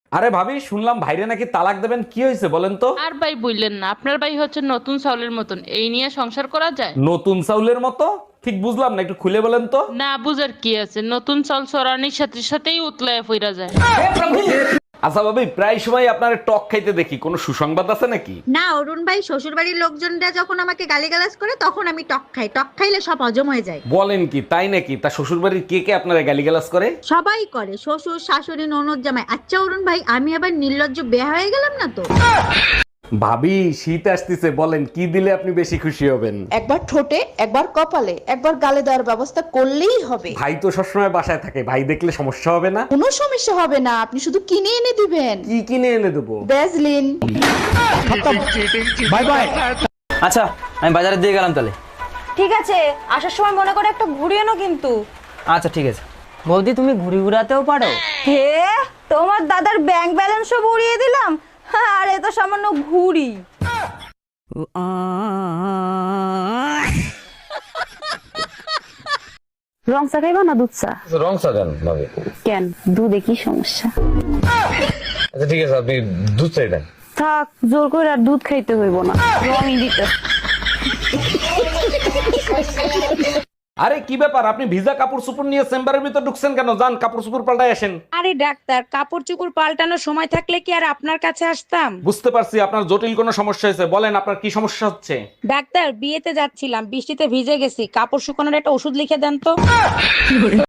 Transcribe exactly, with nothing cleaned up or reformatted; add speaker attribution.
Speaker 1: আরে ভাবি, শুনলাম ভাইরে নাকি তালাক দেবেন, কি হয়েছে বলেন তো?
Speaker 2: আর ভাই বললেন না, আপনার ভাই হচ্ছে নতুন চাউলের মতন, এই নিয়ে সংসার করা যায়?
Speaker 1: নতুন চাউলের মতো? ঠিক বুঝলাম না, একটু খুলে বলেন তো।
Speaker 2: না বুঝার কি আছে, নতুন চাল চড়ানির সাথে সাথেই উতলায় ফিরা যায়।
Speaker 1: আচ্ছা ভাবি, প্রায় সময় আপনার টক খাইতে দেখি, কোনো সুসংবাদ আছে নাকি?
Speaker 3: না অরুণ ভাই, শ্বশুর বাড়ির লোকজনরা যখন আমাকে গালিগালাজ করে তখন আমি টক খাই। টক খাইলে সব হজম হয়ে যায়।
Speaker 1: বলেন কি, তাই নাকি? তা শ্বশুর বাড়ির কে কে আপনারা গালিগালাজ করে?
Speaker 3: সবাই করে, শ্বশুর শাশুড়ি ননদ জামাই। আচ্ছা অরুণ ভাই, আমি আবার নির্লজ্জ বেয়া হয়ে গেলাম না তো?
Speaker 1: ভাবি, শীত আসতেছে, বলেন কি দিলে আপনি বেশি খুশি হবেন?
Speaker 4: একবার ঠোঁটে, একবার কপালে, একবার গালে দেওয়ার ব্যবস্থা করলেই হবে।
Speaker 1: ভাই তো সবসময় বাসায় থাকে, ভাই দেখলে সমস্যা হবে না?
Speaker 4: কোনো সমস্যা হবে না, আপনি শুধু কিনে এনে দিবেন।
Speaker 1: কি কিনে এনে দেবো?
Speaker 4: ভ্যাজলিন।
Speaker 1: Bye bye.
Speaker 5: আচ্ছা, আমি বাজারে দিয়ে গেলাম তাহলে।
Speaker 6: ঠিক আছে, আসার সময় মনে করে একটা ঘুরি এনো কিন্তু।
Speaker 5: আচ্ছা ঠিক আছে। বৌদি, তুমি ঘুরি ঘুরাতেও পারো?
Speaker 6: হে, তোমার দাদার ব্যাংক ব্যালেন্সও উড়িয়ে দিলাম, আর এ তো সামান্য ঘুরি।
Speaker 7: রং চা খাইবা না দুধ চা?
Speaker 8: রং চা দেন ভাবি।
Speaker 7: কেন, দুধে কি সমস্যা?
Speaker 8: আচ্ছা ঠিক আছে, আপনি দুধ চাই দেন।
Speaker 7: থাক, জোর করে আর দুধ খাইতে হইব না, রঙই দিতে।
Speaker 1: আরে কি ব্যাপার, আপনি ভিজা কাপড় চোপড় নিয়ে চেম্বারের ভিতর ঢুকছেন কেন? যান কাপড় চোপড় পাল্টাই আসেন।
Speaker 9: আরে ডাক্তার, কাপড় চোপড় পাল্টানোর সময় থাকলে কি আর আপনার কাছে আসতাম?
Speaker 1: বুঝতে পারছি আপনার জটিল কোনো সমস্যা হয়েছে, বলেন আপনার কি সমস্যা হচ্ছে?
Speaker 9: ডাক্তার, বিয়েতে যাচ্ছিলাম, বৃষ্টিতে ভিজে গেছি, কাপড় শুকানোর একটা ওষুধ লিখে দেন তো।